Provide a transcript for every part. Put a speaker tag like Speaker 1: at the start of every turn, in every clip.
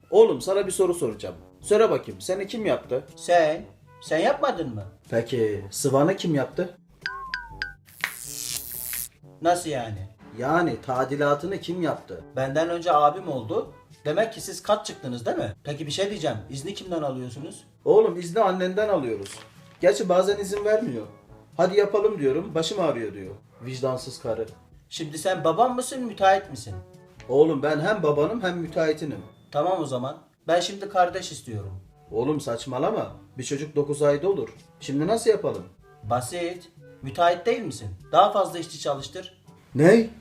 Speaker 1: Oğlum sana bir soru soracağım. Söyle bakayım seni kim yaptı?
Speaker 2: Sen? Sen yapmadın mı?
Speaker 1: Peki Sıvan'ı kim yaptı?
Speaker 2: Nasıl yani?
Speaker 1: Yani tadilatını kim yaptı?
Speaker 2: Benden önce abim oldu. Demek ki siz kat çıktınız değil mi? Peki bir şey diyeceğim. İzni kimden alıyorsunuz?
Speaker 1: Oğlum izni annenden alıyoruz. Gerçi bazen izin vermiyor. Hadi yapalım diyorum, başım ağrıyor diyor. Vicdansız karı.
Speaker 2: Şimdi sen babam mısın, müteahhit misin?
Speaker 1: Oğlum ben hem babanım hem müteahhitinim.
Speaker 2: Tamam o zaman. Ben şimdi kardeş istiyorum.
Speaker 1: Oğlum saçmalama. Bir çocuk 9 ayda olur. Şimdi nasıl yapalım?
Speaker 2: Basit. Müteahhit değil misin? Daha fazla işçi çalıştır.
Speaker 1: Ne?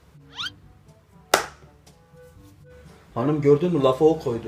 Speaker 1: Hanım gördün mü lafı o koydu.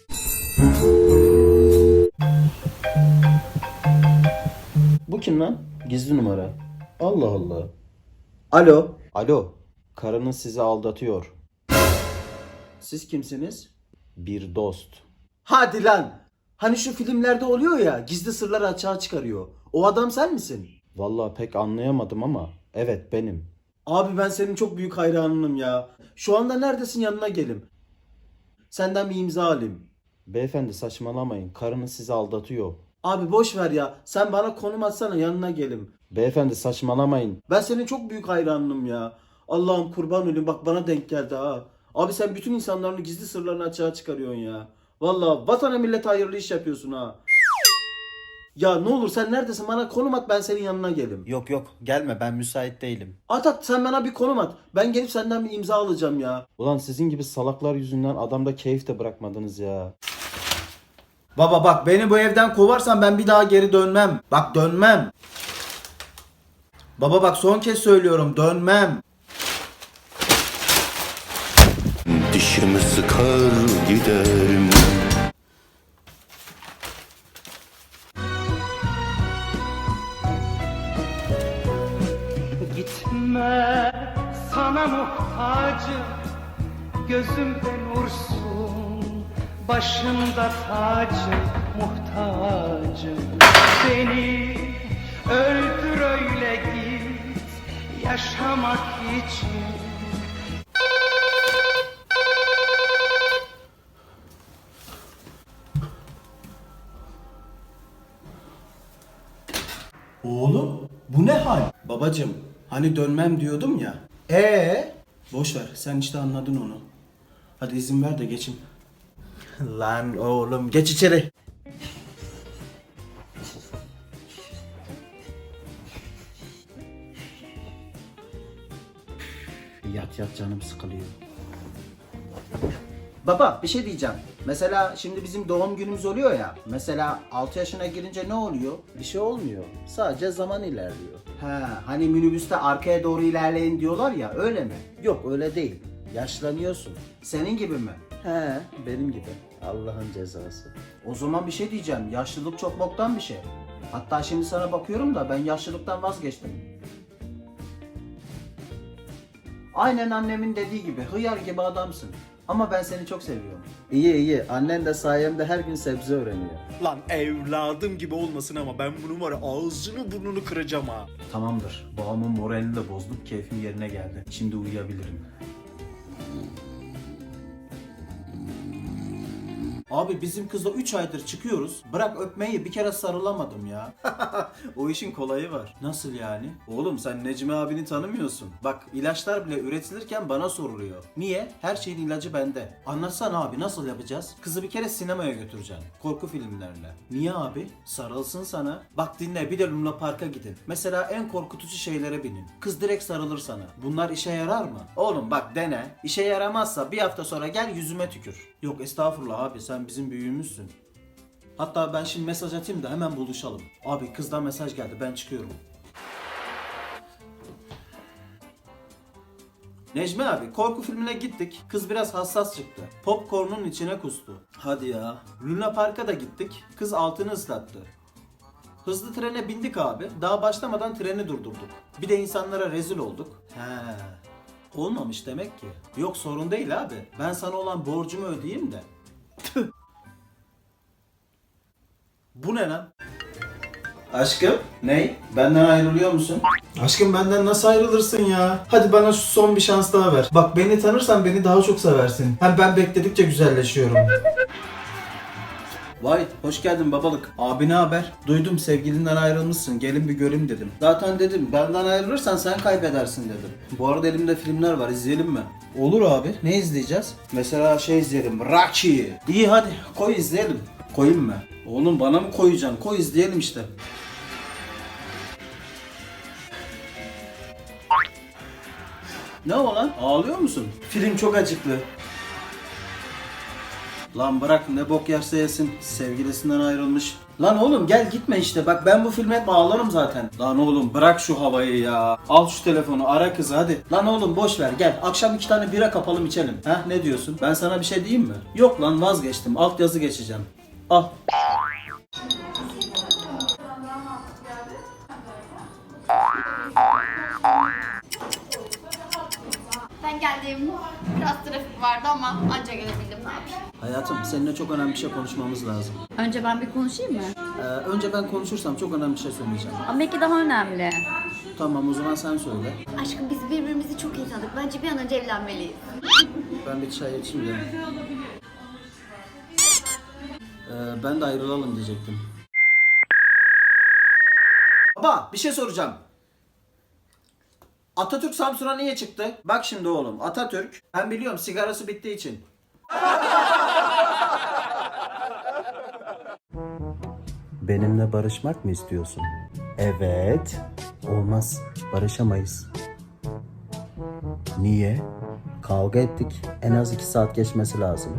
Speaker 1: Bu kim lan? Gizli numara. Allah Allah. Alo. Alo. Karınız sizi aldatıyor. Siz kimsiniz? Bir dost. Hadi lan. Hani şu filmlerde oluyor ya, gizli sırları açığa çıkarıyor. O adam sen misin? Vallahi pek anlayamadım ama evet benim. Abi ben senin çok büyük hayranınım ya. Şu anda neredesin, yanına gelim. Senden bir imza alayım. Beyefendi saçmalamayın. Karınız sizi aldatıyor. Abi boş ver ya. Sen bana konum atsana, yanına gelim. Beyefendi saçmalamayın. Ben senin çok büyük hayranınım ya. Allah'ım kurban olayım, bak bana denk geldi ha. Abi sen bütün insanların gizli sırlarını açığa çıkarıyorsun ya. Vallahi vatana millete hayırlı iş yapıyorsun ha. Ya ne olur sen neredesin, bana konum at, ben senin yanına gelim.
Speaker 2: Yok yok gelme, ben müsait değilim.
Speaker 1: At sen bana bir konum at. Ben gelip senden bir imza alacağım ya. Ulan sizin gibi salaklar yüzünden adamda keyif de bırakmadınız ya. Baba bak, beni bu evden kovarsan ben bir daha geri dönmem. Bak dönmem. Baba bak son kez söylüyorum, dönmem.
Speaker 3: Dişimi sıkar giderim.
Speaker 4: Gitme, sana muhtacım, gözümde nursun, başımda tacım, muhtacım. Beni öldür öyle git, yaşamak için.
Speaker 1: Oğlum bu ne hal? Babacım hani dönmem diyordum ya. Boş ver, sen işte anladın onu. Hadi izin ver de geçin. Lan oğlum geç içeri. Yat yat, canım sıkılıyor. Baba bir şey diyeceğim. Mesela şimdi bizim doğum günümüz oluyor ya. Mesela 6 yaşına girince ne oluyor? Bir şey olmuyor. Sadece zaman ilerliyor. He, hani minibüste arkaya doğru ilerleyin diyorlar ya, öyle mi? Yok öyle değil. Yaşlanıyorsun. Senin gibi mi? He, benim gibi. Allah'ın cezası. O zaman bir şey diyeceğim. Yaşlılık çok boktan bir şey. Hatta şimdi sana bakıyorum da ben yaşlılıktan vazgeçtim. Aynen annemin dediği gibi hıyar gibi adamsın. Ama ben seni çok seviyorum. İyi iyi. Annen de sayemde her gün sebze öğreniyor.
Speaker 5: Lan evladım gibi olmasın ama ben bunun var ya ağzını burnunu kıracağım ha.
Speaker 1: Tamamdır. Babamın moralini de bozduk. Keyfim yerine geldi. Şimdi uyuyabilirim. Abi bizim kızla 3 aydır çıkıyoruz. Bırak öpmeyi, bir kere sarılamadım ya. O işin kolayı var. Nasıl yani? Oğlum sen Necmi abini tanımıyorsun. Bak ilaçlar bile üretilirken bana soruluyor. Niye? Her şeyin ilacı bende. Anlatsana abi, nasıl yapacağız? Kızı bir kere sinemaya götüreceksin. Korku filmlerine. Niye abi? Sarılsın sana. Bak dinle, bir de Luna Park'a gidin. Mesela en korkutucu şeylere binin. Kız direkt sarılır sana. Bunlar işe yarar mı? Oğlum bak dene. İşe yaramazsa bir hafta sonra gel yüzüme tükür. Yok estağfurullah abi, sen bizim büyüğümüzsün. Hatta ben şimdi mesaj atayım da hemen buluşalım. Abi kızdan mesaj geldi, ben çıkıyorum. Necmi abi, korku filmine gittik. Kız biraz hassas çıktı. Popcorn'un içine kustu. Hadi ya. Luna Park'a da gittik. Kız altını ıslattı. Hızlı trene bindik abi. Daha başlamadan treni durdurduk. Bir de insanlara rezil olduk. He. Olmamış demek ki. Yok sorun değil abi. Ben sana olan borcumu ödeyeyim de. Tüh. Bu ne lan? Aşkım? Ney? Benden ayrılıyor musun? Aşkım benden nasıl ayrılırsın ya? Hadi bana şu son bir şans daha ver. Bak beni tanırsan beni daha çok seversin. Hem ben bekledikçe güzelleşiyorum.
Speaker 2: Vay hoş geldin babalık. Abi ne haber? Duydum sevgilinden ayrılmışsın. Gelin bir göreyim dedim. Zaten dedim benden ayrılırsan sen kaybedersin dedim. Bu arada elimde filmler var, izleyelim mi? Olur abi. Ne izleyeceğiz? Mesela şey izleyelim. Rocky. İyi hadi koy izleyelim. Koyayım mı? Oğlum bana mı koyacaksın? Koy izleyelim işte. Ne o lan? Ağlıyor musun? Film çok acıklı. Lan bırak ne bok yerse yesin. Sevgilisinden ayrılmış. Lan oğlum gel gitme işte. Bak ben bu filme hep ağlarım zaten. Lan oğlum bırak şu havayı ya. Al şu telefonu ara kızı hadi. Lan oğlum boş ver gel. Akşam 2 tane bira kapalım içelim. Heh ne diyorsun? Ben sana bir şey diyeyim mi? Yok lan vazgeçtim. Altyazı geçeceğim. Al.
Speaker 6: Ben geldim. Biraz trafik vardı ama anca gelebildim, ne yapayım.
Speaker 2: Hayatım seninle çok önemli bir şey konuşmamız lazım.
Speaker 6: Önce ben bir konuşayım mı?
Speaker 2: Önce ben konuşursam çok önemli bir şey söyleyeceğim.
Speaker 6: Ama belki daha önemli.
Speaker 2: Tamam o zaman sen söyle.
Speaker 6: Aşkım biz birbirimizi çok iyi tanıdık. Bence bir an önce evlenmeliyiz.
Speaker 2: Ben bir çay içeyim de. Ben de ayrılalım diyecektim. Baba bir şey soracağım. Atatürk Samsun'a niye çıktı? Bak şimdi oğlum Atatürk ben biliyorum sigarası bittiği için.
Speaker 1: Benimle barışmak mı istiyorsun? Evet. Olmaz. Barışamayız. Niye? Kavga ettik. En az 2 saat geçmesi lazım.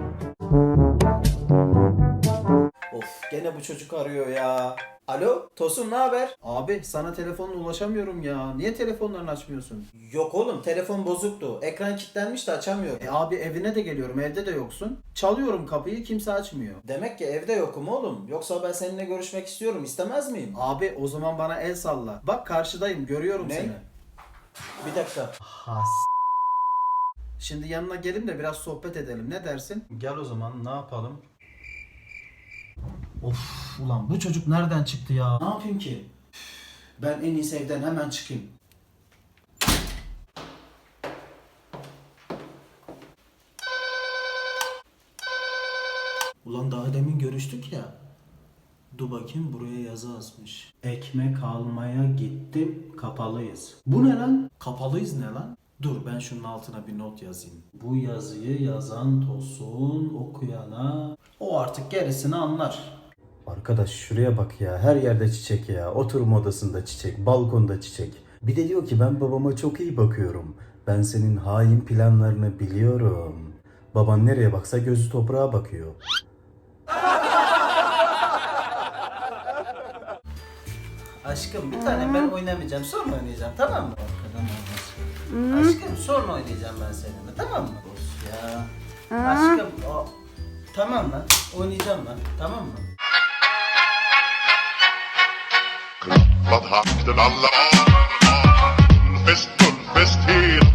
Speaker 2: Of gene bu çocuk arıyor ya. Alo Tosun ne haber? Abi sana telefonla ulaşamıyorum ya. Niye telefonlarını açmıyorsun? Yok oğlum telefon bozuktu. Ekran kilitlenmiş de açamıyorum. Abi evine de geliyorum evde de yoksun. Çalıyorum kapıyı kimse açmıyor. Demek ki evde yokum oğlum. Yoksa ben seninle görüşmek istiyorum istemez miyim? Abi o zaman bana el salla. Bak karşıdayım görüyorum seni. Bir dakika. Şimdi yanına gelin de biraz sohbet edelim. Ne dersin? Gel o zaman ne yapalım? Of ulan bu çocuk nereden çıktı ya? Ne yapayım ki? Ben en iyisi evden hemen çıkayım. Ulan daha demin görüştük ya. Dur bakayım buraya yazı asmış. Ekmek almaya gittim kapalıyız. Bu ne lan? Kapalıyız ne lan? Dur ben şunun altına bir not yazayım. Bu yazıyı yazan Tosun okuyana o artık gerisini anlar.
Speaker 7: Arkadaş şuraya bak ya, her yerde çiçek ya, oturma odasında çiçek, balkonda çiçek. Bir de diyor ki ben babama çok iyi bakıyorum. Ben senin hain planlarını biliyorum. Baban nereye baksa gözü toprağa bakıyor.
Speaker 2: Aşkım bir tane ben oynamayacağım sonra oynayacağım tamam mı? Arkadan olmaz. Aşkım sonra oynayacağım ben seninle tamam mı? Of ya. Aşkım o... Tamam lan oynayacağım lan tamam mı?
Speaker 8: Vad hakten alla fest, full fest hela